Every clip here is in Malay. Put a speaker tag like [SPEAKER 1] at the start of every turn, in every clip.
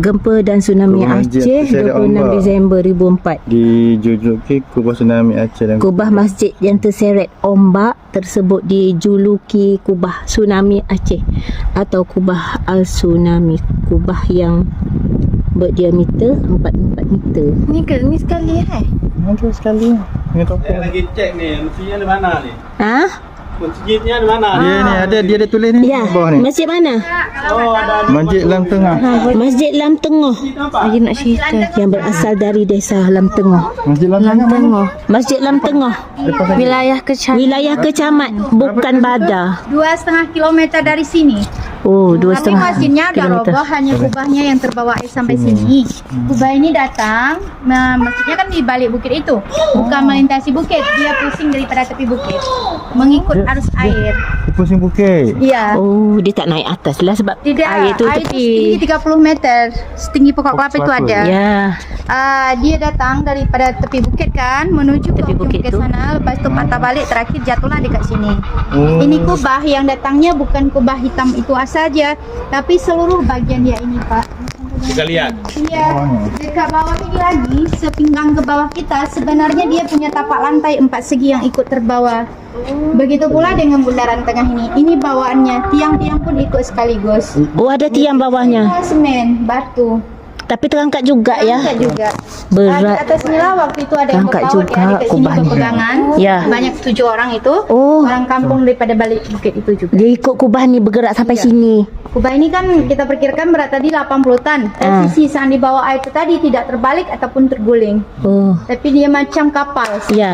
[SPEAKER 1] Gempa dan Tsunami
[SPEAKER 2] Kubah Masjid
[SPEAKER 1] Aceh
[SPEAKER 2] Terseret
[SPEAKER 1] 26
[SPEAKER 2] Ombak.
[SPEAKER 1] Disember 2004.
[SPEAKER 2] Dijuluki Kubah Tsunami Aceh dan
[SPEAKER 1] Kubah masjid yang terseret ombak tersebut dijuluki Kubah Tsunami Aceh atau Kubah Al-Tsunami. Kubah yang berdiameter 44 meter. Ni sekali
[SPEAKER 2] Ada sekali. Ini topik.
[SPEAKER 3] Saya lagi cek ni, masjidnya di mana ni?
[SPEAKER 1] Ha?
[SPEAKER 3] Masjidnya di mana?
[SPEAKER 2] Dia ada tulis ni
[SPEAKER 1] Ya.
[SPEAKER 2] bawah ni.
[SPEAKER 1] Masjid mana?
[SPEAKER 3] Oh, ada.
[SPEAKER 2] Masjid Lam Tengah.
[SPEAKER 1] Masjid Lam Tengah. Saya nak cerita yang berasal dari desa Lam Tengah.
[SPEAKER 2] Masjid Lam Tengah.
[SPEAKER 1] Masjid Lam Tengah. Wilayah Kecamat, bukan Badar.
[SPEAKER 4] 2,5 kilometer dari sini.
[SPEAKER 1] Oh,
[SPEAKER 4] Tapi
[SPEAKER 1] 2,5
[SPEAKER 4] masjidnya dah
[SPEAKER 1] kilometer.
[SPEAKER 4] roboh, hanya kubahnya yang terbawa air sampai sini. Kubah ini datang, masjidnya kan di balik bukit itu, bukan melintasi bukit, dia pusing daripada tepi bukit, mengikut arus air.
[SPEAKER 2] Di pusing bukit.
[SPEAKER 4] Iya.
[SPEAKER 1] Oh, dia tak naik atas lah sebab
[SPEAKER 4] Tidak,
[SPEAKER 1] air tu tepi.
[SPEAKER 4] setinggi 30 meter, setinggi pokok kelapa itu
[SPEAKER 2] kelapa.
[SPEAKER 4] ada.
[SPEAKER 1] Ya.
[SPEAKER 4] Dia datang daripada tepi bukit kan, menuju
[SPEAKER 1] Tepi
[SPEAKER 4] ke
[SPEAKER 1] bukit
[SPEAKER 4] bukit
[SPEAKER 1] tu.
[SPEAKER 4] sana, lepas itu patah balik, terakhir jatuhlah dekat sini.
[SPEAKER 2] Oh.
[SPEAKER 4] Ini kubah yang datangnya bukan kubah hitam itu saja, tapi seluruh bagian dia ini, Pak.
[SPEAKER 3] Sekalian.
[SPEAKER 4] Iya, dekat bawah ini lagi, sepinggang ke bawah kita, sebenarnya dia punya tapak lantai 4 segi yang ikut terbawa. Begitu pula dengan bundaran tengah ini. Ini bawaannya, tiang-tiang pun ikut sekaligus.
[SPEAKER 1] Oh, ada tiang bawahnya.
[SPEAKER 4] Semen, batu.
[SPEAKER 1] Tapi terangkat juga ya.
[SPEAKER 4] Terangkat juga.
[SPEAKER 1] Berat.
[SPEAKER 4] Di atas ni lah waktu itu ada yang
[SPEAKER 1] Terangkat
[SPEAKER 4] berpaut,
[SPEAKER 1] juga
[SPEAKER 4] ya, dekat sini
[SPEAKER 1] kubahnya.
[SPEAKER 4] berpegangan.
[SPEAKER 1] Ya.
[SPEAKER 4] Banyak 7 orang itu.
[SPEAKER 1] Oh.
[SPEAKER 4] Orang kampung daripada balik bukit itu juga.
[SPEAKER 1] Dia ikut kubah ni bergerak sampai
[SPEAKER 4] Iya.
[SPEAKER 1] sini.
[SPEAKER 4] Kubah ini kan kita perkirakan berat tadi 80 ton. Dan sisi yang di bawah air itu tadi tidak terbalik ataupun terguling.
[SPEAKER 1] Oh,
[SPEAKER 4] Tapi dia macam kapal.
[SPEAKER 1] ya.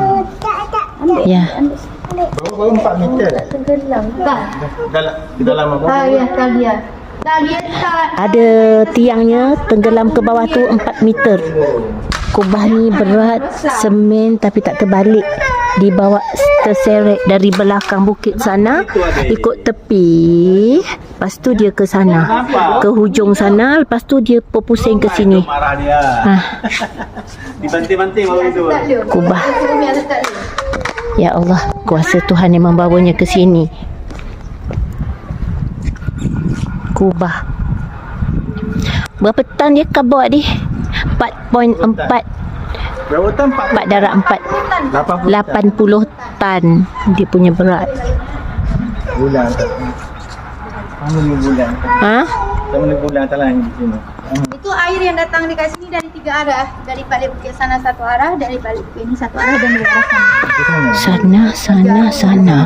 [SPEAKER 1] Ya.
[SPEAKER 2] Baru 4 meter.
[SPEAKER 4] Tenggelam. Tak.
[SPEAKER 2] Di dalam apa?
[SPEAKER 4] Ya, tak dia. Tak dia tak.
[SPEAKER 1] Ada tiangnya tenggelam ke bawah tu 4 meter. Kubah ni berat semen tapi tak terbalik. Dibawa terseret dari belakang bukit sana ikut tepi. Lepas tu dia ke sana, ke hujung sana. Lepas tu dia berpusing ke sini.
[SPEAKER 3] Marah dia. Dibanting-banting baru itu.
[SPEAKER 4] Tak dia.
[SPEAKER 1] Kubah.
[SPEAKER 4] Bumi ada tak dia.
[SPEAKER 1] Ya Allah, kuasa Tuhan yang membawanya ke sini. Kubah. Berapa tan dia kau bawa ni? 4.4.
[SPEAKER 2] Berapa tan?
[SPEAKER 1] 4 darab 4. 80 tan dia punya berat.
[SPEAKER 2] Bulan. Kamu ni bulan.
[SPEAKER 1] Ha?
[SPEAKER 2] Kamu ni bulan talang di sini.
[SPEAKER 4] Itu air yang datang dekat sini dari 3 arah. Dari balik bukit sana satu arah, dari balik bukit ini satu arah, dan dari arah sana.
[SPEAKER 1] Sana.